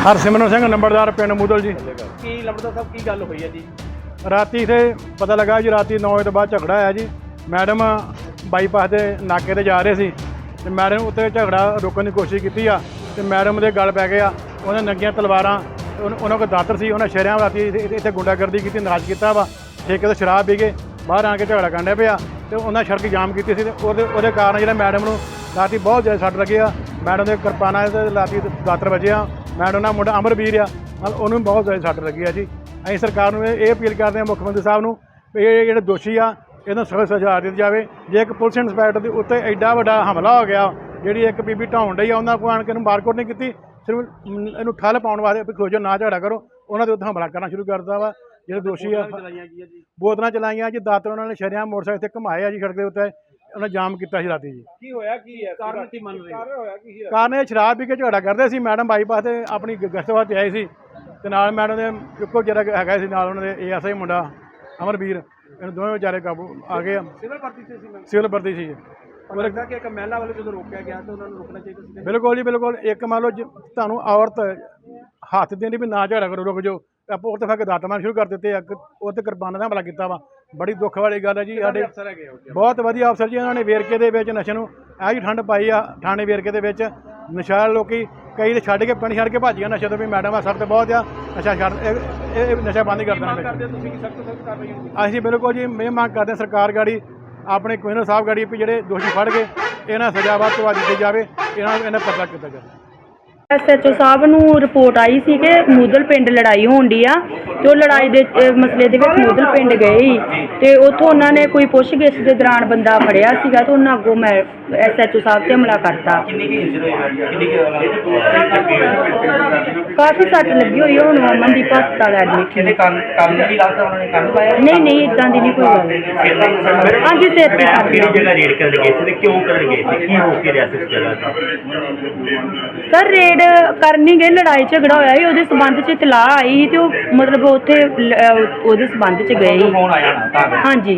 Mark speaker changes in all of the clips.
Speaker 1: हरसिमरन सिंह नंबरदार पिंड मूदल जी।
Speaker 2: की लंबड़दार साहब की गल हुई है जी?
Speaker 1: राती इत्थे पता लगा जी राती 9 बजे तो बाद झगड़ा आया जी। मैडम बाईपास के नाके ते जा रहे सी ते मैडम उत्ते झगड़ा रोकने की कोशिश की ते मैडम दे गल पै गया। उन्हें नंगियां तलवारां उन्होंने को दातर सी उन्हें शहरों राती इत्थे गुंडागर्दी की नाच किया वा। ठेके तो शराब पी के बाहर आके झगड़ा करने पिया तो उन्हें सड़क जाम की सी कारण जो मैडम नूं राती बहुत ज़्यादा सट लगी आ। मैडम के किरपाना राती दातर वजे आ। मैडम का मुंडा अमरवीर आ उन्होंने बहुत ज़्यादा सट लगी है जी। असीं सरकार नूं ये अपील करते हैं मुख्यमंत्री साहब नूं भी ये जिहड़े दोषी आ इन्हां सख्त सज़ा दी जाए। जे एक पुलिस इंस्पैक्टर के उत्ते एडा वड्डा हमला हो गया जी एक बीबी ढाउण डई आ उन्होंने कोई आण के मारकुट नहीं की सिर्फ इनू ठल पाउण वास्ते खोजो ना झगड़ा करो उन्होंने उत्ते हमला करना शुरू कर दिता वा। जो दोषी आ बोतलां चलाइयां जी दातर उन्होंने शरेआम मोटरसाइकिल इत्थे घुमाए जी सड़क के उत्ते उन्हें जाम किया राती जी। कारण ये शराब पी के झगड़ा करते सी। मैडम बाईपास से अपनी गश्त वास्ते आए सी ते नाल मैडम के इक्को जरा है नाल उन्होंने ASI मुंडा अमरवीर इन दोवें बेचारे काबू आ गए। सिविल भर्ती सी बिल्कुल जी बिल्कुल। एक मान लो तुहानूं औरत हथ देनी भी ना झगड़ा करो रुक जाओ आपो उत्ते फिर दात मारना शुरू कर दिते उत्ते किरपाना का हमला किया वा। बड़ी दुख वाली गल है जी। साडे बहुत वधिया अफसर जी उन्होंने वेरके दे विच नशे नूं ऐ जी ठंड पाई आ। थाने वेरके दे विच नशा लोकी कई तो छड्ड के पिंड छड्ड के भज गए नशे तो भी मैडम सर तो बहुत आ नशा छड्ड नशा बंद ही कर देना। असीं बिल्कुल जी मैं मांग करते हैं सरकार गाड़ी अपने कमिश्नर साहब गाड़ी भी जोड़े दोषी फड़ के इन्हां सज़ा वध तो वध दी जाए इन्हां पर्चा किया जाए।
Speaker 3: SHO साहब नूं रिपोर्ट आई सी कि मूदल पिंड लड़ाई होण डी आ ते ओह लड़ाई दे मसले दे विच मूदल पिंड गए ही ते उत्थों उन्होंने कोई पुछगिछ दे दौरान बंदा फड़िया सीगा ते उन्हां अगों मैं SHO साहब ते हमला करता। काफ़ी सट लगी हुई है हुण अमनदीप हस्पताल एडमिट नहीं इदां दी नहीं कोई गल। हाँ जी सिर सर रेड करनी गए लड़ाई झगड़ा होया ही उहदे संबंध च इतलाह आई ही ते मतलब उत्थे उहदे संबंध च गए ही। हाँ जी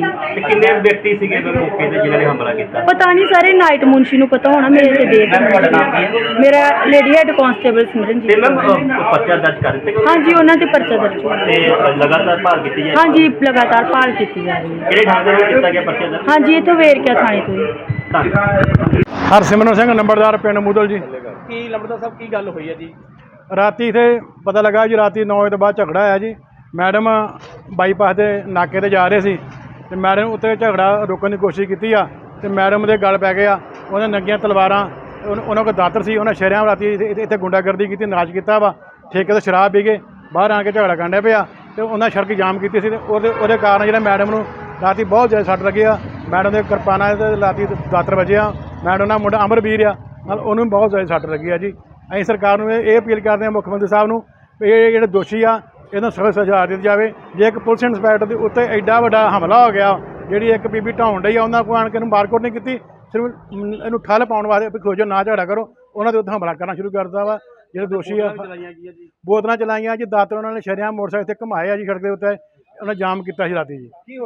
Speaker 3: पता नहीं सारे नाइट मुंशी नूं पता होना मेरे ते देख मेरा lady head constable Simran ji. हाँ जी उन्हां ते पर्चा दर्ज हाँ जी लगातार भाल की जा रही है। हाँ जी इत्थों वेरका थाने तो।
Speaker 1: हरसिमरन सिंह नंबरदार पिंड मूदल जी।
Speaker 2: की लंबड़दार साहब की गल हुई है जी?
Speaker 1: राती इत्थे पता लगा जी राती 9 बजे तो बाद झगड़ा आया जी। मैडम बाईपास के नाके ते जा रहे सी ते मैडम उत्ते झगड़ा रोकने की कोशिश की ते मैडम के गल पै गया। उन्हें नंगियां तलवारां उन्होंने को दातर सी उन्हें शहरों राती इत्थे गुंडागर्दी की नाच किया वा। ठेके तो शराब पी के बाहर आके झगड़ा करने पिया तो उन्हें सड़क जाम की सी ते कारण जो मैडम नूं राती बहुत ज़्यादा सट लगी आ। मैडम के किरपाना राती दातर वजे आ। मैडम का मुंडा अमरवीर आ उन्होंने बहुत ज़्यादा सट लगी है जी। असीं सरकार नूं ये अपील करते हैं मुख्यमंत्री साहब नूं भी ये जिहड़े दोषी आ इन्हां सख्त सज़ा दी जाए। जे एक पुलिस इंस्पैक्टर के उत्ते एडा वड्डा हमला हो गया जी एक बीबी ढाउण डई आ उन्होंने कोई आण के मारकुट नहीं की सिर्फ इनू ठल पाउण वास्ते खोजो ना झगड़ा करो उन्होंने उत्ते हमला करना शुरू कर दिता वा। जो दोषी आ बोतलां चलाइयां जी दातर उन्होंने शरेआम मोटरसाइकिल इत्थे घुमाए जी सड़क के उत्ते उन्हें जाम किया राती जी।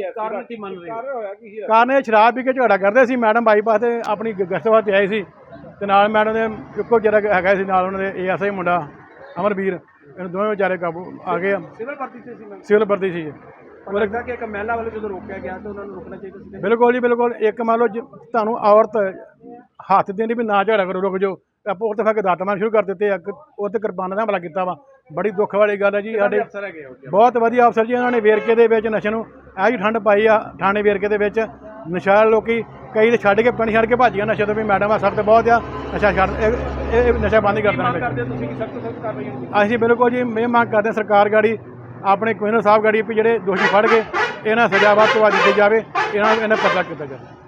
Speaker 1: कारण ये शराब पी के झगड़ा करते सी। मैडम बाईपास से अपनी गश्त वास्ते आए सी ते नाल मैडम के इक्को जरा है नाल उन्होंने ASI मुंडा अमरवीर इन दोवें बेचारे काबू आ गए। सिविल भर्ती सी बिल्कुल जी बिल्कुल। एक मान लो तुहानूं औरत हथ देनी भी ना झगड़ा करो रुक जाओ आपो उत्ते फिर दात मारना शुरू कर दिते उत्ते किरपाना का हमला किया वा। बड़ी दुख वाली गल है जी। साडे बहुत वधिया अफसर जी उन्होंने वेरके दे विच नशे नूं ऐ जी ठंड पाई आ। थाने वेरके दे विच नशा लोकी कई तो छड्ड के पिंड छड्ड के भज गए नशे तो भी मैडम सर तो बहुत आ नशा छड्ड नशा बंद ही कर देना। असीं बिल्कुल जी मैं मांग करते हैं सरकार गाड़ी अपने कमिश्नर साहब गाड़ी भी जोड़े दोषी फड़ के इन्हां सज़ा वध तो वध दी जाए इन्हां पर्चा किया जाए।